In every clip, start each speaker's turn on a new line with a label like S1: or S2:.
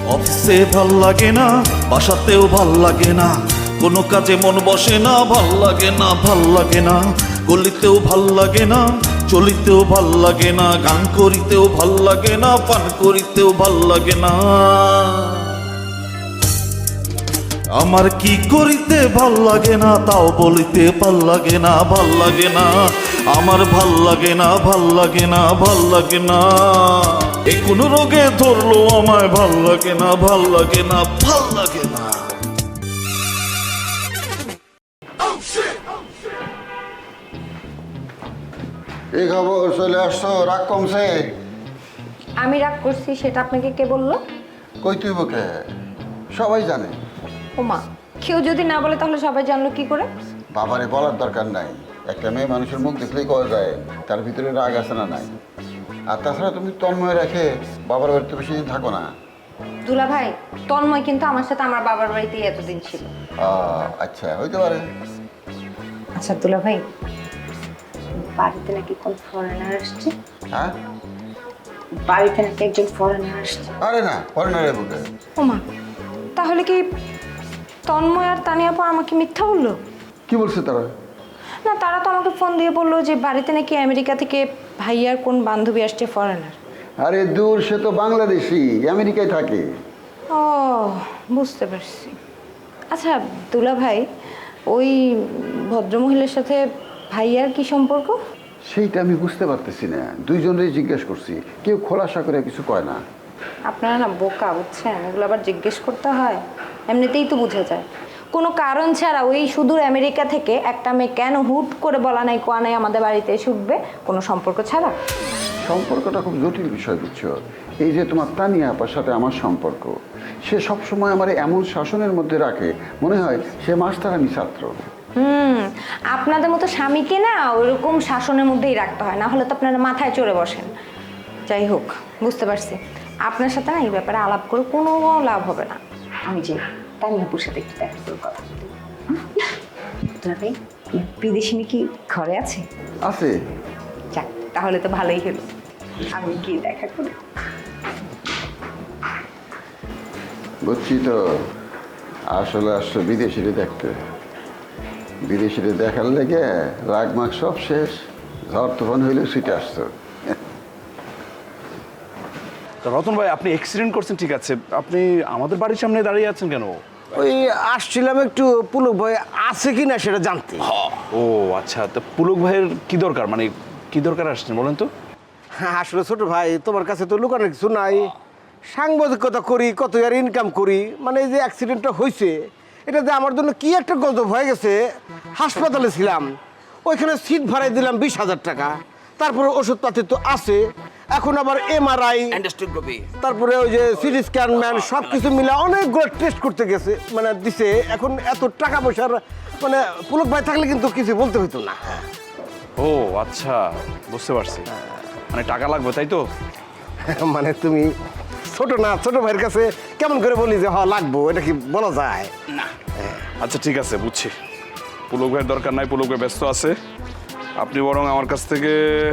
S1: অফিসে ভাল লাগে না, বাসাতেও ভাল লাগে না, কোনো কাজে মন বসে না, ভাল লাগে না, ভাল লাগে না, গলিতেও ভাল লাগে না, চলিতেও ভাল লাগে না, গান করিতেও ভাল লাগে না, পান করিতেও ভাল লাগে না। আমার কি করিতে ভাল লাগে না, তাও বলিতে ভাল লাগে না, ভাল লাগে না, আমার ভাল লাগে না, ভাল লাগে না, ভাল লাগে না। এ কোন রোগে ধরলো আমায়, ভাল লাগে না, ভাল লাগে না, ভাল লাগে না।
S2: এই খবর, চলে আসছো, রাগ কমছে?
S3: আমি রাগ করছি সেটা আপনাকে কে বললো?
S2: কই তুই বকে, সবাই জানে।
S3: ওমা, কেউ যদি না বলে তাহলে সবাই জানলো কি করে?
S2: বাবারে বলার দরকার নাই, একটা মেয়ে মানুষের মুখ দেখলেই করা যায় তার ভিতরে রাগ আছে না নাই। আর তাছাড়া তুমি তন্ময় রেখে বাবার বাড়িতে বেশি দিন থাকো না।
S3: দুলা ভাই, তন্ময় কিন্তু আমার সাথে আমার বাবার বাড়িতেই এতদিন ছিল।
S2: আচ্ছা, হইতে পারে।
S3: আচ্ছা দুলা ভাই, বাড়িতে নাকি কোন ফরেনার আসছে?
S2: হ্যাঁ,
S3: বাড়িতে নাকি একজন ফরেনার আসছে।
S2: আরে না, ফরেনারের বুকে।
S3: ওমা, তাহলে কি তন্ময় আর তানিয়া আপা আমাকে মিথ্যা বললো?
S2: কি বলছে তারা?
S3: না, তারা তো আমাকে ফোন দিয়ে বললো যে বাড়িতে নাকি আমেরিকা থেকে ভাইয়ার কোন বান্ধবী আসছে ফরেনার।
S2: আরে দূর, সে তো বাংলাদেশি, আমেরিকায় থাকে।
S3: ও, বুঝতে পারছি। আচ্ছা দুলা ভাই, ওই ভদ্রমহিলার সাথে ভাইয়ার কি সম্পর্ক?
S2: সেইটা আমি বুঝতে পারতেছি না, দুইজনেরই জিজ্ঞেস করছি, কেউ খোলাসা করে কিছু কয় না।
S3: আপনারা না বোকা, বুঝছেন? এগুলো আবার জিজ্ঞেস করতে হয়? এমনিতেই তো বুঝে যায়। কোনো কারণ ছাড়া ওই সুদূর আমেরিকা থেকে একটা মেয়ে কেন হুট করে বলা নাই কোয়া নাই আমাদের বাড়িতে এসে উঠবে, কোনো সম্পর্ক ছাড়া?
S2: সম্পর্কটা খুব জটিল বিষয়, বুঝছো? এই যে তোমার তানিয়া আপার সাথে আমার সম্পর্ক, সে সবসময় আমার এমন শাসনের মধ্যে রাখে, মনে হয় সে মাস্টার, আমি ছাত্র।
S3: আপনাদের মতো স্বামীকে না ওইরকম শাসনের মধ্যেই রাখতে হয়, না হলে তো আপনারা মাথায় চড়ে বসেন। যাই হোক, বুঝতে পারছি। আপনার সাথে না এই ব্যাপারে আলাপ করে কোনো লাভ হবে না। আমি যে তানিয়াপুর সাথে একটু দেখা করে কথা বলি। ভাই, বিদেশিনী কি ঘরে আছে?
S2: আছে।
S3: যাক, তাহলে তো ভালোই হলো। আমি কি দেখা করি।
S2: বুঝছি তো, আসলে আসছো বিদেশিরে দেখতে। বিদেশিরে দেখার লেগে রাগ মাগ সব শেষ, ঝড় তুফান হইলে ছুটে আসছো।
S4: রতন ভাই, আপনি অ্যাক্সিডেন্ট করছেন ঠিক আছে, আপনি আমাদের বাড়ির সামনে দাঁড়িয়ে আছেন কেন?
S5: ওই আসছিলাম একটু পুলক ভাই আছে কি না সেটা জানতে।
S4: ও আচ্ছা, তো পুলক ভাইয়ের কি দরকার, মানে কি দরকার আসছেন বলেন তো?
S5: হ্যাঁ, আসলে ছোট ভাই, তোমার কাছে তো লুকানোর কিছু নাই। সাংবাদিকতা করি, কত আর ইনকাম করি, মানে এই যে অ্যাক্সিডেন্টটা হয়েছে এটা যে আমার জন্য কি একটা গজব হয়ে গেছে। হাসপাতালে ছিলাম, ওইখানে সিট ভাড়াই দিলাম 20,000 টাকা, তারপরে ওষুধপাতি তো আছে, এখন আবার এমআরআই, তারপরে ওই যে সিটি স্ক্যান ম্যান, সব কিছু মিলে অনেকগুলো টেস্ট করতে গেছে, মানে দিছে। এখন এত টাকা পয়সার মানে পুলক ভাই থাকলে কিন্তু কিছু বলতে হইতো না।
S4: ও আচ্ছা, বুঝতে পারছি, মানে টাকা লাগবে তাই তো?
S5: মানে তুমি ছোট না, ছোট ভাইয়ের কাছে কেমন করে বলি যে হ্যাঁ লাগবো, এটা কি বলা যায়?
S4: না আচ্ছা ঠিক আছে, বুঝছি। পুলক ভাইয়ের দরকার নাই, পুলক ভাই ব্যস্ত আছে। আপনি বরং আমার কাছ থেকে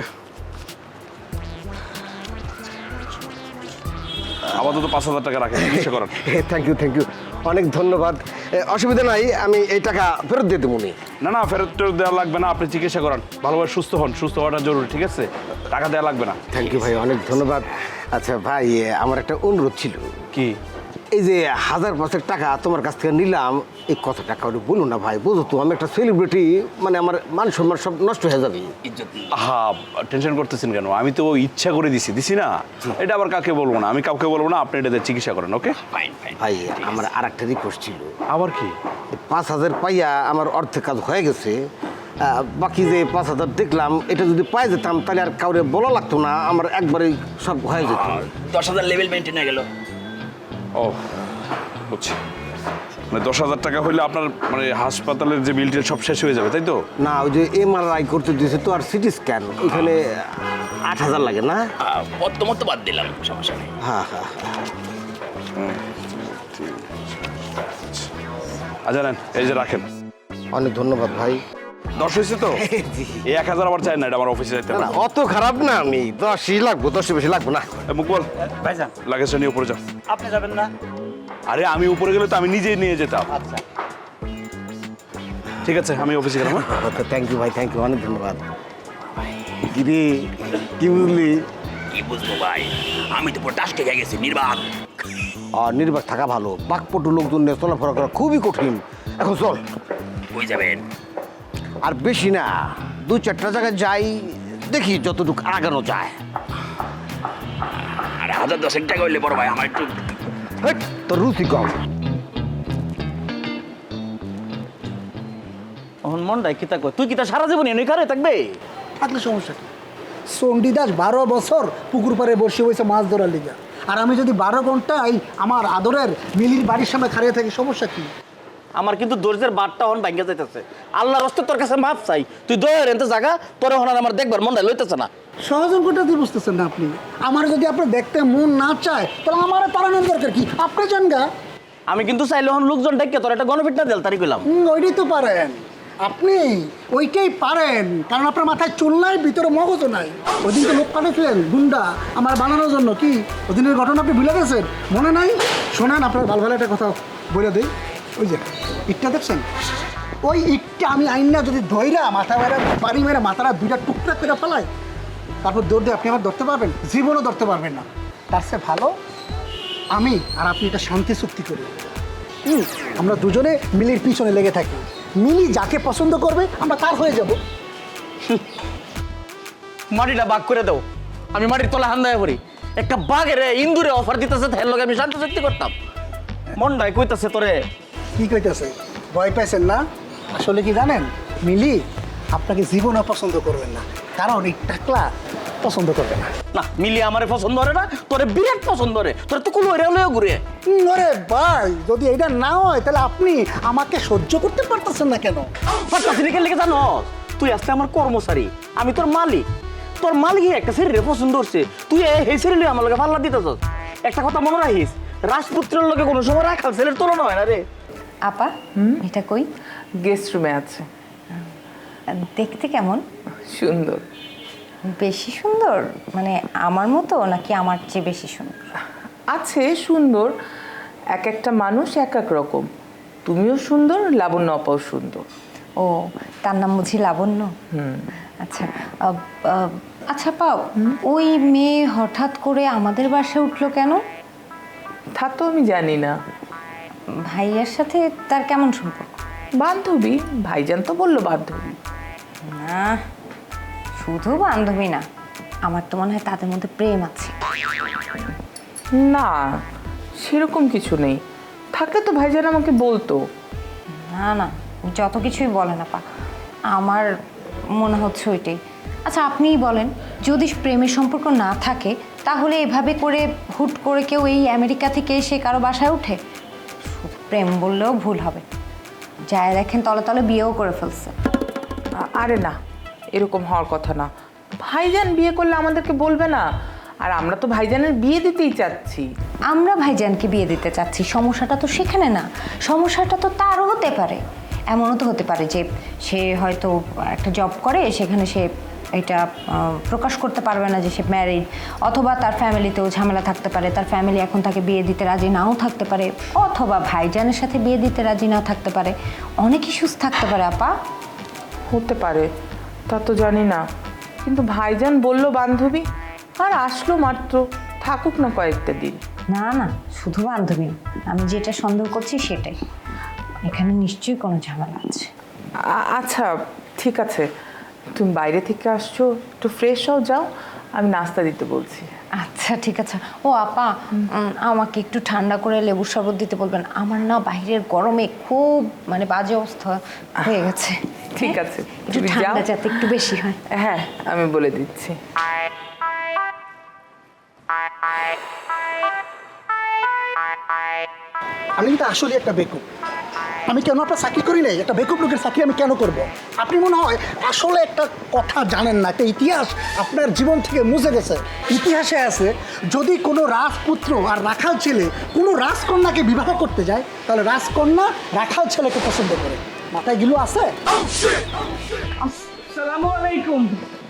S4: আপাতত 5,000 টাকা রাখেন, চিকিৎসা করান।
S5: থ্যাংক ইউ, থ্যাংক ইউ, অনেক ধন্যবাদ। অসুবিধা নাই, আমি এই টাকা ফেরত দিয়ে দেবো।
S4: না না, ফেরত দেওয়া লাগবে না, আপনি চিকিৎসা করান, ভালোভাবে সুস্থ হন, সুস্থ হওয়াটা জরুরি, ঠিক আছে? টাকা দেওয়া লাগবে না।
S5: থ্যাংক ইউ ভাই, অনেক ধন্যবাদ। আচ্ছা ভাই, আমার একটা অনুরোধ ছিল।
S4: কি?
S5: এই যে 1,000 টাকা তোমার কাছ থেকে নিলাম, এই কত টাকা ওটা বলো না ভাই, বুঝো তো আমি একটা সেলিব্রিটি, মানে আমার মান সম্মান সব নষ্ট হয়ে যাবে।
S4: হ্যাঁ, টেনশন করতেছেন কেন? আমি তো ইচ্ছা করে দিছি না, এটা আবার কাকে বলবো না, আমি কাউকে বলবো না, আপনি এটাতে চিকিৎসা করেন, ওকে?
S5: ভাই আমার আর একটা রিকোয়েস্ট ছিল।
S4: আবার কি?
S5: 5,000 পাইয়া আমার অর্ধেক কাজ হয়ে গেছে, বাকি যে 5,000 দেখলাম, এটা যদি পাই যেতাম তাহলে আর কাউরে বলা লাগতো না, আমার একবারেই সব হয়ে যেত।
S6: 10,000 লেভেল মেনটেন হয়ে গেল।
S4: ও বুঝছি, মানে 10,000 টাকা হইলে আপনার মানে হাসপাতালের যে বিল টিল সব শেষ হয়ে যাবে, তাই তো?
S5: না, ওই যে এমআরআই করতে দিয়েছে তো, আর সিটি স্ক্যান, ওইখানে 8,000 লাগে না?
S6: প্রথমত বাদ দিলাম, সমস্যা নেই।
S5: হ্যাঁ হ্যাঁ।
S4: আচ্ছা নেন, এই যে রাখেন।
S5: অনেক ধন্যবাদ ভাই।
S4: 10 হয়েছে তো
S5: জি।
S4: এই 1000 আবার চাই না, এটা আমার অফিসে যাইতে
S5: না
S4: হবে।
S5: না, অত খারাপ না আমি, 10ই লাগবো, 10 বেশি লাগবো না।
S4: মুকবল
S7: ভাইজান
S4: লাগেজটা নিয়ে উপরে যাও।
S7: আপনি যাবেন না?
S4: আরে আমি উপরে গেলে তো আমি নিজেই নিয়ে যেতাম।
S7: আচ্ছা
S4: ঠিক আছে, আমি অফিসে গেলাম। হ্যাঁ?
S5: থ্যাংক ইউ ভাই, থ্যাংক ইউ, অনেক ধন্যবাদ। কিরে, কি বুঝলি?
S6: কি বুঝবো ভাই, আমি তো পুরো টাস্টে খেয়ে গেছি, নির্বাক।
S5: আর নির্বাক থাকা ভালো, বাকপটু লোকজন নিয়ে চলাফেরা করা খুবই কঠিন। এখন চল,
S6: কই যাবেন?
S5: আর বেশি না, 2-4টা জায়গায় যাই, দেখি যতটুকু আগানো যায়।
S6: আর 1010 টাকা হইলে বড় ভাই আমার একটু
S5: হেট, তোর রুচি কম।
S7: এখন মনটাই কিতা কয়, তুই কিতা সারা জীবন এনে কারে থাকবে?
S8: থাকলে সমস্যা কি? চণ্ডীদাস 12 বছর পুকুর পাড়ে বসে হয়েছে মাছ ধরার লিগা, আর আমি যদি 12 ঘন্টায় আমার আদরের মিলির বাড়ির সামনে খাড়িয়ে থাকি, সমস্যা কি?
S7: আমার কিন্তু দর্জের বারটা হন ভাঙ্গা যাইতেছে। আল্লাহর হস্তে তোর কাছে মাপ চাই, তুই দয়ের এনতে জায়গা তোর হন আমার দেখবার মনটা লইতেছে না।
S8: সহযোগিতা দিয়ে বুঝতেছেন না আপনি? আমার যদি আপনার দেখতে মন না চায় তাহলে আমার তাড়ানোর দরকার কি? আপনি যান গা।
S7: আমি কিন্তু চাইলে হন লোকজন ডেকে তোর একটা গণপিটনা দেল তারি কইলাম।
S8: ওইটাই তো পারেন আপনি, ওইটাই পারেন, কারণ আপনার মাথায় চুল নাই, ভিতরে মগজও নাই। ওইদিন তো লোক পাঠিয়েছিলেন গুন্ডা আমার বানানোর জন্য, কি ওদিনের ঘটনা আপনি ভুলে গেছেন? মনে নাই? শোনেন, আপনার ভালো ভালো একটা কথা বলে দিই। ওই যে ইটটা দেখছেন, ওই ইটটা আমি আইন না যদি ধইরা মাথা মেরা বাড়ি মেরা মাথাটা 2টা টুকরা করে ফেলাই, তারপর দৌড় দিয়ে আপনি আমার ধরতে পারবেন? জীবনও ধরতে পারবেন না। তার চেয়ে ভালো আমি আর আপনি এটা শান্তি চুক্তি করি। আমরা দুজনে মিলির পিছনে লেগে থাকি, মিলি যাকে পছন্দ করবে আমরা তার হয়ে যাব।
S7: মাটিটা বাগ করে দাও, আমি মাটির তলা হান্দায় পড়ি। একটা বাঘের ইন্দুরে অফার দিতেছে, তার লগে আমি শান্তি চুক্তি করতাম। মনটাই কইতাছে তোরে।
S8: কি কইতেছে? ভয় পাইছেন না? আসলে কি জানেন, মিলি আপনাকে জীবনও পছন্দ করবেন না, কারণ এই টাকলা পছন্দ করবে না।
S7: না, মিলি আমারে পছন্দ করে না, তোরে বিরাট পছন্দ করে। তোরে তো কোনো এরিয়া ঘুরে।
S8: আরে ভাই, যদি এটা না হয় তাহলে আপনি আমাকে সহ্য করতে পারতেছেন না কেন?
S7: পারতাছি লিখে জানো, তুই আজকে আমার কর্মচারী, আমি তোর মালিক। তোর মালিক একটা শরীরে পছন্দ করছে, তুই এই শরীরে আমার লগে পাল্লা দিতেছ। একটা কথা মনে রাখিস, রাজপুত্রের লগে কোনো সময় রাখাল ছেলের তুলনা হয় না রে।
S3: আপা, এটা কই?
S9: গেস্ট রুমে আছে।
S3: দেখতে কেমন?
S9: সুন্দর।
S3: বেশি সুন্দর মানে আমার মতো, নাকি আমার চেয়ে বেশি সুন্দর?
S9: আছে সুন্দর, এক একটা মানুষ এক এক রকম। তুমিও সুন্দর, লাবণ্য আপাও সুন্দর।
S3: ও, তার নাম বুঝি লাবণ্য? আচ্ছা, আচ্ছা পাও, ওই মেয়ে হঠাৎ করে আমাদের বাসায় উঠলো কেন?
S9: তা তো আমি জানি না।
S3: ভাইয়ার সাথে তার কেমন সম্পর্ক?
S9: বান্ধবী, ভাইজান তো বললো বান্ধবী।
S3: না, শুধু বান্ধবী না, আমার তো মনে হয় তাদের মধ্যে প্রেম আছে।
S9: না, সেরকম কিছু নেই। থাকলে তো ভাইজান আমাকে বলতো।
S3: না না, যত কিছুই বলেন আপা, আমার মনে হচ্ছে ওইটাই। আচ্ছা আপনিই বলেন, যদি প্রেমের সম্পর্ক না থাকে তাহলে এভাবে করে হুট করে কেউ এই আমেরিকা থেকে এসে কারো বাসায় উঠে? শুধু প্রেম বললেও ভুল হবে, যায় দেখেন তলে তলে বিয়েও করে ফেলছে।
S9: আরে না, এরকম হওয়ার কথা না। ভাইজান বিয়ে করলে আমাদেরকে বলবে না? আর আমরা তো ভাইজানের বিয়ে দিতেই চাচ্ছি।
S3: আমরা ভাইজানকে বিয়ে দিতে চাচ্ছি, সমস্যাটা তো সেখানে না। সমস্যাটা তো তারও হতে পারে, এমনও তো হতে পারে যে সে হয়তো একটা জব করে, সেখানে সে এটা প্রকাশ করতে পারবে না যে সে ম্যারিড, অথবা তার ফ্যামিলিতেও ঝামেলা থাকতে পারে, তার ফ্যামিলি এখন তাকে বিয়ে দিতে রাজি নাও থাকতে পারে, অথবা ভাইজানের সাথে বিয়ে দিতে রাজি নাও থাকতে পারে। অনেক ইস্যুস থাকতে পারে আপা।
S9: হতে পারে, তা তো জানি না। কিন্তু ভাইজান বলল বান্ধবী, আর আসলো মাত্র, থাকুক না কয়েকটা দিন।
S3: না না, শুধু বান্ধবী না, আমি যেটা সন্দেহ করছি সেটাই। এখানে নিশ্চয়ই কোনো ঝামেলা আছে।
S9: আচ্ছা ঠিক আছে, তুমি বাইরে থেকে আসছো, একটু ফ্রেশ হও, যাও, আমি নাস্তা দিতে বলছি।
S3: আচ্ছা ঠিক আছে। ও আপা, আমাকে একটু ঠান্ডা করে লেবুর শরবত দিতে বলবেন, আমার না বাইরের গরমে খুব মানে বাজে অবস্থা হয়ে গেছে।
S9: ঠিক আছে,
S3: একটু
S9: তুমি
S3: ঠান্ডা
S9: যাও।
S3: যাতে একটু বেশি হয়।
S9: হ্যাঁ, আমি বলে দিচ্ছি।
S8: আমি কিন্তু আসলে একটা বেকুব। আমি কেন আপনার চাকরি করি নাই? একটা বেকুব লোকের চাকরি আমি কেন করব? আপনি মনে হয় আসলে একটা কথা জানেন না, একটা ইতিহাস আপনার জীবন থেকে মুছে গেছে। ইতিহাসে আছে, যদি কোনো রাজপুত্র আর রাখাল ছেলে কোনো রাজকন্যাকে বিবাহ করতে যায়, তাহলে রাজকন্যা রাখাল ছেলেকে পছন্দ করে। মাথায় গিলু আছে?
S7: আসসালামু আলাইকুম।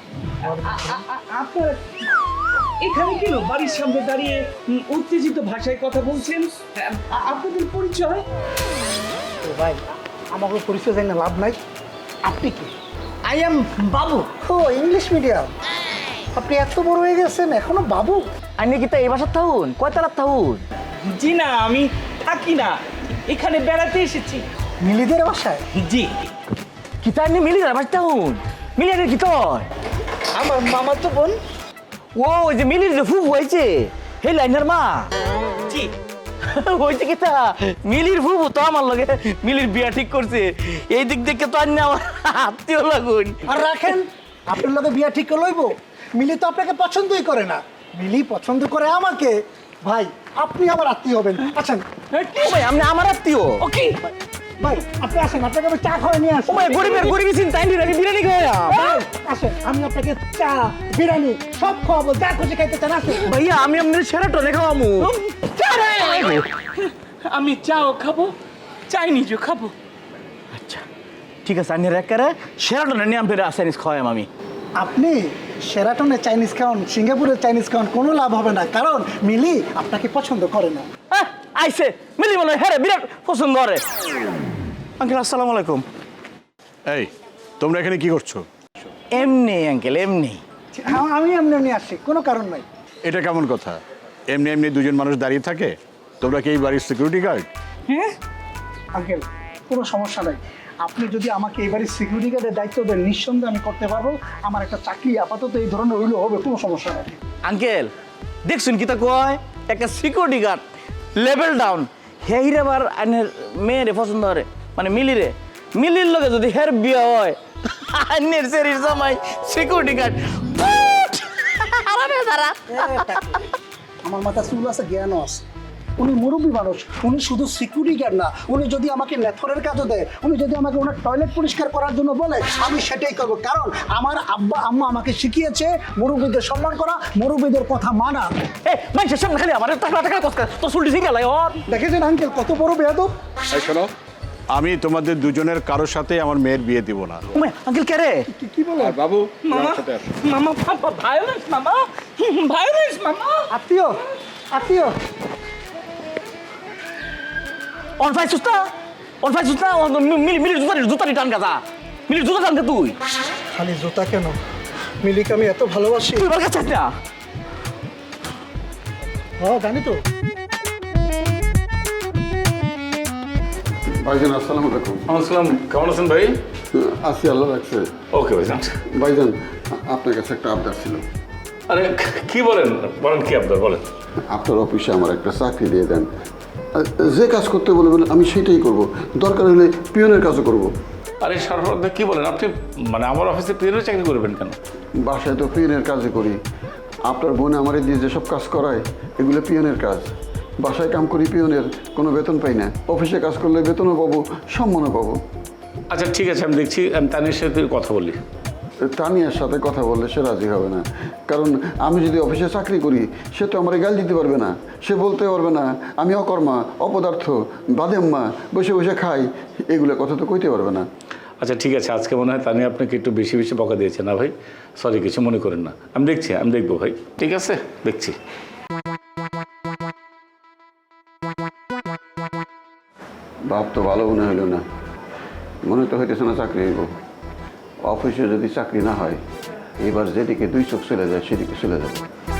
S7: আপনার এখানে কেন বাড়ির সামনে দাঁড়িয়ে উত্তেজিত ভাষায় কথা বলছেন? আপনাদের পরিচয়?
S8: ও ভাই, আমাকে পরিচয় জানি না, লাভ নাই। আপনি কি?
S7: আই এম বাবু।
S8: ও ইংলিশ মিডিয়াম। আপনি এত বড় হয়ে গেছেন এখনো বাবু?
S7: আমি কি তা এই বাসার থাকুন? কয়তলার থাকুন? জি না, আমি থাকি না, এখানে বেড়াতে এসেছি।
S8: মিলিদের বাসায়?
S7: জি। কি তার নিয়ে মিলি বাসার থাকুন? মিলিয়ানের কি তোর? আমার মামা তো বোন। ও ওই যে মিলির যে ফুফু হয়েছে হে লাইনার মা। জি। হয়েছে কি তা মিলির ফুফু তো আমার লগে মিলির বিয়া ঠিক করছে। এই দিক দেখে তো আর না আমার আত্মীয় লাগুন।
S8: আর রাখেন, আপনার লগে বিয়া ঠিক করে লইব? মিলি তো আপনাকে পছন্দই করে না, মিলি পছন্দ করে আমাকে। ভাই আপনি আমার আত্মীয় হবেন, আছেন?
S7: ভাই আপনি আমার আত্মীয়? ওকে
S8: ভাই আপনি আসেন, আপনাকে আমি চা খাওয়াই নিয়ে আসি।
S7: ভাই গরিবী চিন্তা বিরিয়ানি খাওয়া।
S8: আসেন, আমি আপনাকে চা বিরিয়ানি সব খাওয়াবো, যা খুশি খাইতে চান আসেন।
S7: ভাইয়া আমি আপনার সেরাটনে খাওয়ামু। আমি চাও খাবো, চাইনিজও খাবো। আচ্ছা ঠিক আছে, আমি একেবারে সেরাটনে নিয়ে আপনার চাইনিজ খাওয়াম আমি।
S8: আপনি শেরাটনে চাইনিজ খাওয়ান, সিঙ্গাপুরের চাইনিজ খাওয়ান, কোনো লাভ হবে না, কারণ মিলি আপনাকে পছন্দ করে না।
S7: আইসে মিলি বলে হ্যাঁ বিরাট পছন্দ করে। আঙ্কেল আসসালামু আলাইকুম।
S10: এই তোমরা এখানে কি করছো?
S7: এমনি আঙ্কেল এমনি।
S8: আমি এমনি এমনি আসছি, কোনো কারণ নাই।
S10: এটা কেমন কথা? এমনি এমনি দুজন মানুষ দাঁড়িয়ে থাকে? তোমরা কি এই বাড়ির সিকিউরিটি গার্ড?
S8: হ্যাঁ আঙ্কেল, কোনো সমস্যা নাই। আপনি যদি আমাকে এবারে সিকিউরিটি গার্ডের দায়িত্ব দেন, নিঃসন্দেহে আমি করতে পারবো। আমার একটা চাকরি আপাতত এই ধরনের হইলেও হবে, কোনো সমস্যা নাই।
S7: আঙ্কেল দেখছুন কি তা কয় একটা সিকিউরিটি গার্ড লেভেল ডাউন হেইরে আবার আনের মেয়েরে পছন্দ করে, মানে মিলিরে। মিলির লগে যদি হের বিয়ে হয় আনের সেরির জামাই সিকিউরিটি গার্ড।
S8: আমার মাথা চুল আছে, জ্ঞানও আছে। উনি মুরব্বী মানুষ, উনি শুধু সিকিউরিটি গার্ড না, উনি যদি আমাকে নেথরের কাজও দেয়, উনি যদি আমাকে ওনার টয়লেট পরিষ্কার করার জন্য বলে, আমি সেটাই করবো। কারণ আমার আব্বা আম্মা আমাকে শিখিয়েছে মুরব্বীদের সম্মান করা, মুরব্বীদের কথা মানা।
S7: মানুষের সামনে খালি আমার টাকা কসকা তোর চুলটি ঠিক গেল।
S8: দেখেছেন আঙ্কেল কত বড় বেয়াদব?
S10: এই শোনো, আমি তোমাদের দুজনের কারোর সাথে আমার মেয়ের বিয়ে দিব না।
S7: আঙ্কেল কে রে?
S8: কি বলে?
S10: আর বাবু
S7: মামা মামা ভায়োলেন্স মামা, ভায়োলেন্স মামা।
S8: আত্মীয় আত্মীয়
S7: অনফাই সুস্তা মিলির জুতারি টান গাছা, মিলির জুতা টান তুই।
S8: খালি জুতা কেন, মিলিকে আমি এত ভালোবাসি।
S7: তুই আমার কাছে না?
S8: হ্যাঁ জানি তো।
S2: ভাইজান আসসালামু আলাইকুম।
S4: আসসালাম, কেমন আছেন ভাই?
S2: আসি, আল্লাহ রাখছে।
S4: ওকে ভাইজান।
S2: ভাইজান আপনার কাছে একটা আবদার ছিল।
S4: আরে কি বলেন বলেন, কি আপনার বলেন।
S2: আপনার অফিসে আমার একটা চাকরি দিয়ে দেন। যে কাজ করতে বলবেন আমি সেটাই করব, দরকার হলে পিয়নের কাজও করব।
S4: আরে সরফরাজ কি বলেন আপনি, মানে আমার অফিসে পিয়নের চাকরি করবেন কেন?
S2: বাসায় তো পিয়নের কাজই করি। আপনার বোন আমারে দিয়ে যেসব কাজ করায় এগুলো পিয়নের কাজ। বাসায় কাম করি পিয়নের, কোনো বেতন পাই না। অফিসে কাজ করলে বেতনও পাবো, সম্মানও পাবো।
S4: আচ্ছা ঠিক আছে, আমি দেখছি, আমি তানির সাথে কথা বলি।
S2: তানিয়ার সাথে কথা বললে সে রাজি হবে না, কারণ আমি যদি অফিসে চাকরি করি সে তো আমার গাল দিতে পারবে না। সে বলতে পারবে না আমি অকর্মা, অপদার্থ, বাদেম্মা, বসে বসে খাই, এগুলো কথা তো কইতে পারবে না।
S4: আচ্ছা ঠিক আছে, আজকে মনে হয় তানিয়া আপনাকে একটু বেশি বেশি বকা দিয়েছে না ভাই? সরি, কিছু মনে করেন না, আমি দেখছি, আমি দেখবো ভাই। ঠিক আছে, দেখছি।
S2: ভাব তো ভালো মনে হইল না, মনে তো হইতেছে না চাকরি হইব। অফিসে যদি চাকরি না হয়, এবার যেদিকে দুই চোখ চলে যায় সেদিকে চলে যাবে।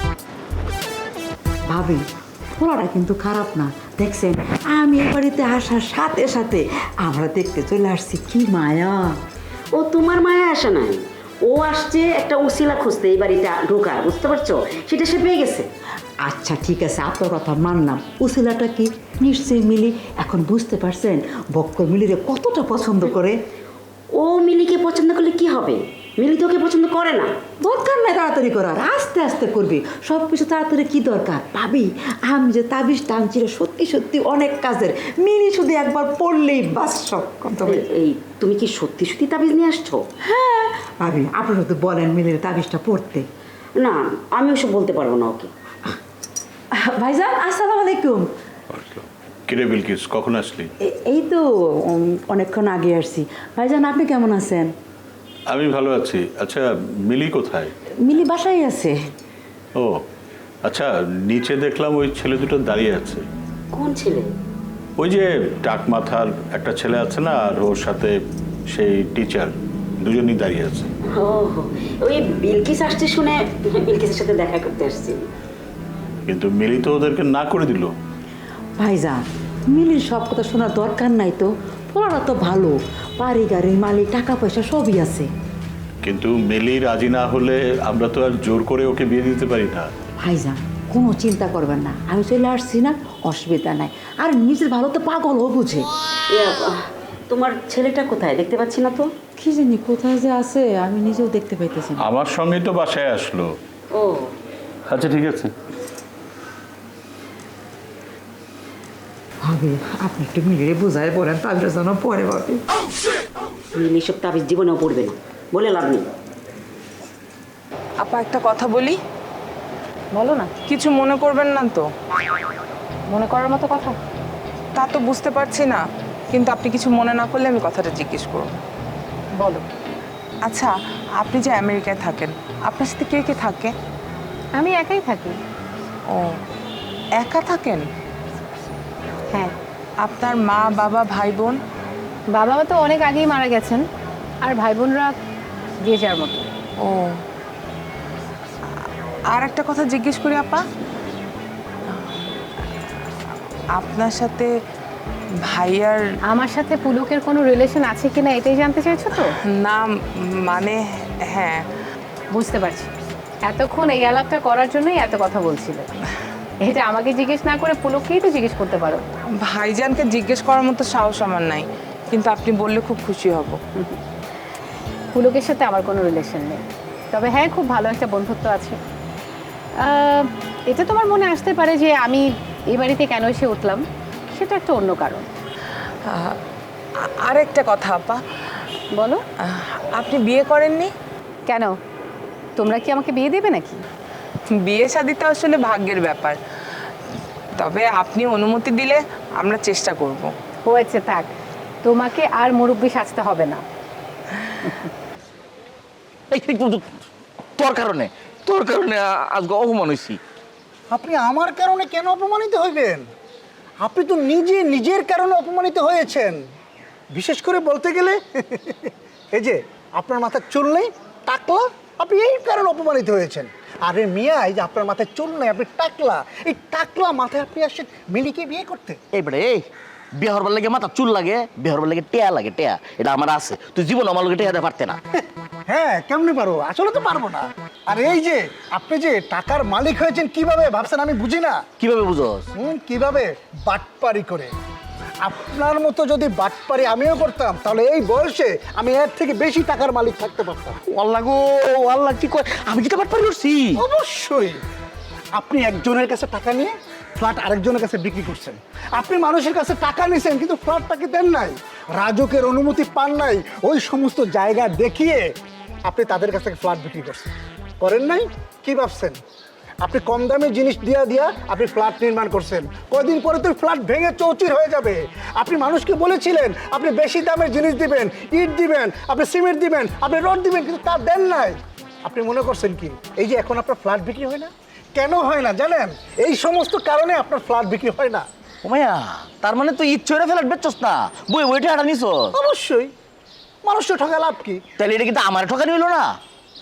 S11: ভাবি পোলাটা কিন্তু খারাপ না, দেখছেন আমি এ বাড়িতে আসার সাথে সাথে আমরা দেখতে চলে আসছি, কি মায়া।
S12: ও তোমার মায়া আসে নাই, ও আসছে একটা উসিলা খুঁজতে এই বাড়িতে ঢোকার, বুঝতে পারছো? সেটা সে পেয়ে গেছে।
S11: আচ্ছা ঠিক আছে, আপনার কথা মানলাম। উসিলাটা কি? নিশ্চয়ই মিলি। এখন বুঝতে পারছেন বক্কর মিলিরে কতটা পছন্দ করে।
S12: ও মিলিকে পছন্দ করলে কি হবে? মিলি তোকে পছন্দ করে না।
S11: দরকার নাই তাড়াতাড়ি করার, আস্তে আস্তে করবি সব কিছু। তাড়াতাড়ি কি দরকার? ভাবি আমি যে তাবিজ টানছিল সত্যি সত্যি অনেক কাজের। মিলি শুধু একবার পড়লেই বাস সব কথা।
S12: এই তুমি কি সত্যি সত্যি তাবিজ নিয়ে আসছো?
S11: হ্যাঁ ভাবি, আপনি শুধু বলেন মিলির তাবিজটা পড়তে।
S12: না আমি ওসব বলতে পারবো না ওকে।
S11: ভাইজান আসসালামু আলাইকুম।
S10: কিরে বিলকিস, কখন আসলি?
S11: এই তো অনেকক্ষণ আগে আসছি। ভাইজান আপনি কেমন আছেন?
S10: আমি ভালো আছি। আচ্ছা, মিলি কোথায়?
S11: মিলি বাসায় আছে।
S10: ও আচ্ছা, নিচে দেখলাম ওই ছেলে দুটো দাঁড়িয়ে আছে।
S12: কোন ছেলে?
S10: ওই যে টাক মাথার একটা ছেলে আছে না, আর ওর সাথে সেই টিচার, দুজনই দাঁড়িয়ে আছে।
S12: ও ওই বিলকিস আসছে শুনে বিলকিসের সাথে দেখা করতে আসছি।
S10: কিন্তু মিলি তো ওদেরকে না করে দিল।
S11: ভাইজান মিলির সব কথা শোনার দরকার নাই তো, পোলাটা তো ভালো, বাড়ি গাড়ি মালিক টাকা পয়সা সবই আছে।
S10: কিন্তু মিলি রাজি না হলে আমরা তো আর জোর করে ওকে বিয়ে দিতে পারি না।
S11: ভাইজান কোনো চিন্তা করবেন না, আমি চলে আসছি না, অসুবিধা নাই। আর নিজের ভালো তো পাগল ও বুঝে।
S12: তোমার ছেলেটা কোথায়? দেখতে পাচ্ছি না তো।
S11: কি জানি কোথায় যে আছে, আমি নিজেও দেখতে পাইতেছি না।
S10: আমার সঙ্গেই তো বাসায় আসলো।
S12: ও
S10: আচ্ছা ঠিক আছে।
S11: ভাবি আপনি একটু মিলিয়ে বোঝায় বলেন, তাদের যেন পরে ভাবি।
S12: মিলি সব তাবিজ জীবনেও পড়বে না, বলে লাভ নেই।
S9: আপা একটা কথা বলি?
S3: বলো না।
S9: কিছু মনে করবেন না তো?
S3: মনে করার মতো কথা?
S9: তা তো বুঝতে পারছি না, কিন্তু আপনি কিছু মনে না করলে আমি কথাটা জিজ্ঞেস করব।
S3: বলো।
S9: আচ্ছা, আপনি যে আমেরিকায় থাকেন, আপনার সাথে কে কে থাকে?
S3: আমি একাই থাকি।
S9: ও, একা থাকেন?
S3: হ্যাঁ।
S9: আপনার মা বাবা ভাই বোন?
S3: বাবা মা তো অনেক আগেই মারা গেছেন, আর ভাই বোনরা যে যার মতো।
S9: ও, আর একটা কথা জিজ্ঞেস করি আপা, আপনার সাথে ভাইয়ার
S3: আমার সাথে পুলকের কোনো রিলেশন আছে কিনা এটাই জানতে চাইছো তো?
S9: না মানে হ্যাঁ।
S3: বুঝতে পারছি, এতক্ষণ এই আলাপটা করার জন্যই এত কথা বলছিলে। এটা আমাকে জিজ্ঞেস না করে পুলককেই তো জিজ্ঞেস করতে পারো।
S9: ভাইজানকে জিজ্ঞেস করার মতো সাহস আমার নাই, কিন্তু আপনি বললে খুব খুশি হব।
S3: পুলকের সাথে আমার কোনো রিলেশন নেই, তবে হ্যাঁ খুব ভালো একটা বন্ধুত্ব আছে। এটা তোমার মনে আসতে পারে যে আমি এই বাড়িতে কেন এসে উঠলাম, সেটা একটা অন্য কারণ।
S9: আর একটা কথা আপা।
S3: বলো।
S9: আপনি বিয়ে করেননি
S3: কেন? তোমরা কি আমাকে বিয়ে দেবে নাকি?
S9: বিয়ে শাদী তো আসলে ভাগ্যের ব্যাপার, তবে আপনি অনুমতি দিলে আমরা চেষ্টা করব।
S3: হয়েছে, থাক, তোমাকে আর মুরব্বি সাজতে হবে না।
S7: তোর কারণে আজকে অপমান হয়েছি।
S8: আপনি আমার কারণে কেন অপমানিত হইবেন? আপনি তো নিজে নিজের কারণে অপমানিত হয়েছেন। বিশেষ করে বলতে গেলে এই যে আপনার মাথায় চুল নেই, টাকলা, আপনি এই কারণে অপমানিত হয়েছেন। আরে মিয়া, এই যে আপনার মাথায় চুল নেই, আপনি টাকলা, এই টাকলা মাথায় আপনি আসছেন মিলিকে বিয়ে করতে।
S7: এইবারে এই বিয়ে হবার লাগে মাথা চুল লাগে, বিয়ে হবার লাগে টেয়া লাগে, টেয়া এটা আমার আছে। তুই জীবন আমার লোকে টেয়া দিতে পারতে না।
S8: হ্যাঁ, কেমনে পারবো? আসলে তো পারবো না। আর এই যে আপনি যে টাকার মালিক হয়েছেন কিভাবে ভাবছেন আমি বুঝি না।
S7: কিভাবে বুঝোস?
S8: কিভাবে? বাটপারি করে। আপনার মতো যদি বাটপারি আমিও করতাম, তাহলে এই বয়সে আমি এর থেকে বেশি টাকার মালিক থাকতে পারতাম।
S7: আল্লাহ গো আল্লাহ, কি কয়? আমি কি তো বাটপারি করছি?
S8: অবশ্যই। আপনি একজনের কাছে টাকা নিয়ে ফ্ল্যাট আরেকজনের কাছে বিক্রি করছেন। আপনি মানুষের কাছে টাকা নিছেন, কিন্তু ফ্ল্যাটটাকে দেন নাই, রাজকের অনুমতি পান নাই, ওই সমস্ত জায়গা দেখিয়ে আপনি তাদের কাছ থেকে ফ্ল্যাট বিক্রি করছেন। করেন নাই? কি ভাবছেন? আপনি কম দামে জিনিস দিয়া আপনি ফ্ল্যাট নির্মাণ করছেন। কয়দিন পরে তো ফ্ল্যাট ভেঙে চৌচির হয়ে যাবে। আপনি মানুষকে বলেছিলেন আপনি বেশি দামের জিনিস দিবেন, ইট দিবেন, আপনি সিমেন্ট দিবেন, আপনি রড দিবেন, কিন্তু তা দেন নাই। আপনি মনে করছেন কি এই যে এখন আপনার ফ্ল্যাট বিক্রি হয় না? কেন হয় না জানেন? এই সমস্ত কারণে আপনার ফ্ল্যাট বিক্রি হয় না।
S7: ও মায়া, তার মানে তুই ইচ্ছে করে ফেলাট বেচছস না, বই বইটা আটা নিছ?
S8: অবশ্যই। মানুষটা ঠকা লাভ কি?
S7: তাহলে এটা কিন্তু আমার ঠকানি হইলো না?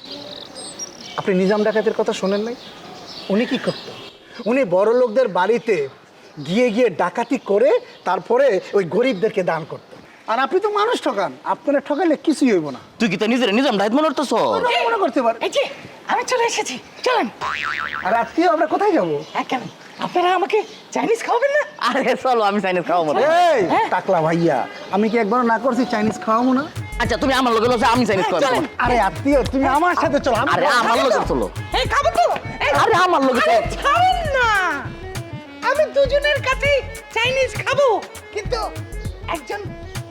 S8: আপনি নিজাম ডাকাতের কথা শোনেন নাই? উনি কি করতেন? উনি বড় লোকদের বাড়িতে গিয়ে গিয়ে ডাকাতি করে তারপরে ওই গরিবদেরকে দান করতেন। আর আপনি তো মানুষ ঠকান, আপনারা ঠকালে কিছুই হইব না।
S7: তুই কি তো নিজের নিজাম ডাইত মনে করতেছ?
S8: মনে করতে পারেন।
S7: এই যে আমি চলে এসেছি, চলেন।
S8: আর আজকে আমরা কোথায় যাবো?
S7: কেন আপনারা আমাকে চাইনিজ খাওয়াবেন না? আরে চলো, আমি চাইনিজ খাওয়াবো না।
S8: এই টাকলা ভাইয়া, আমি কি একবার না করছি চাইনিজ খাওয়াবো না?
S7: আচ্ছা তুমি আমার লগে লগে আমি চাইনিজ খাওয়াবো।
S8: আরে আত্মীয়, তুমি আমার সাথে চলো।
S7: আরে আমার লগে চলো। এই খাবো তো। আরে আমার লগে চলো।
S9: ছাড়েন না, আমি দুজনের কাছে চাইনিজ খাবো, কিন্তু একজন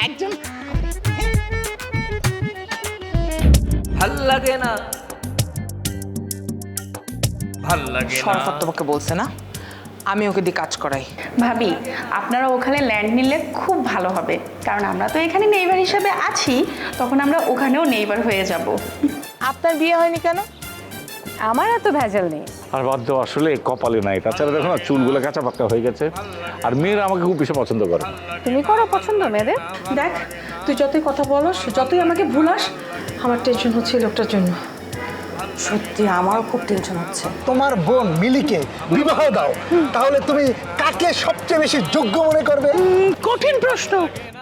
S13: ভাল লাগে না, ভাল লাগে না।
S9: শরাফত তোমাকে বলছে না আমি ওকে দিয়ে কাজ করাই।
S13: ভাবি আপনারা ওখানে ল্যান্ড নিলে খুব ভালো হবে, কারণ আমরা তো এখানে নেইবার হিসাবে আছি, তখন আমরা ওখানেও নেইবার হয়ে যাব।
S9: আপনার বিয়ে হয়নি কেন?
S3: আমার এত ভেজাল নেই।
S10: আর বাদ দাও, আসলে কপালে নাই। তাছাড়া দেখো না, চুলগুলো কাঁচা পাক্কা হয়ে গেছে। আর মেয়েরা আমাকে খুব বেশি পছন্দ করে।
S3: তুমি করো পছন্দ মেয়েদের?
S11: দেখ, তুই যতই কথা বলস, যতই আমাকে ভুলাস, আমার টেনশন হচ্ছে এই লোকটার জন্য।
S3: সত্যি আমারও খুব টেনশন হচ্ছে।
S8: তোমার বোন মিলিকে বিবাহ দাও, তাহলে তুমি কাকে সবচেয়ে বেশি যোগ্য মনে করবে?
S11: কঠিন প্রশ্ন।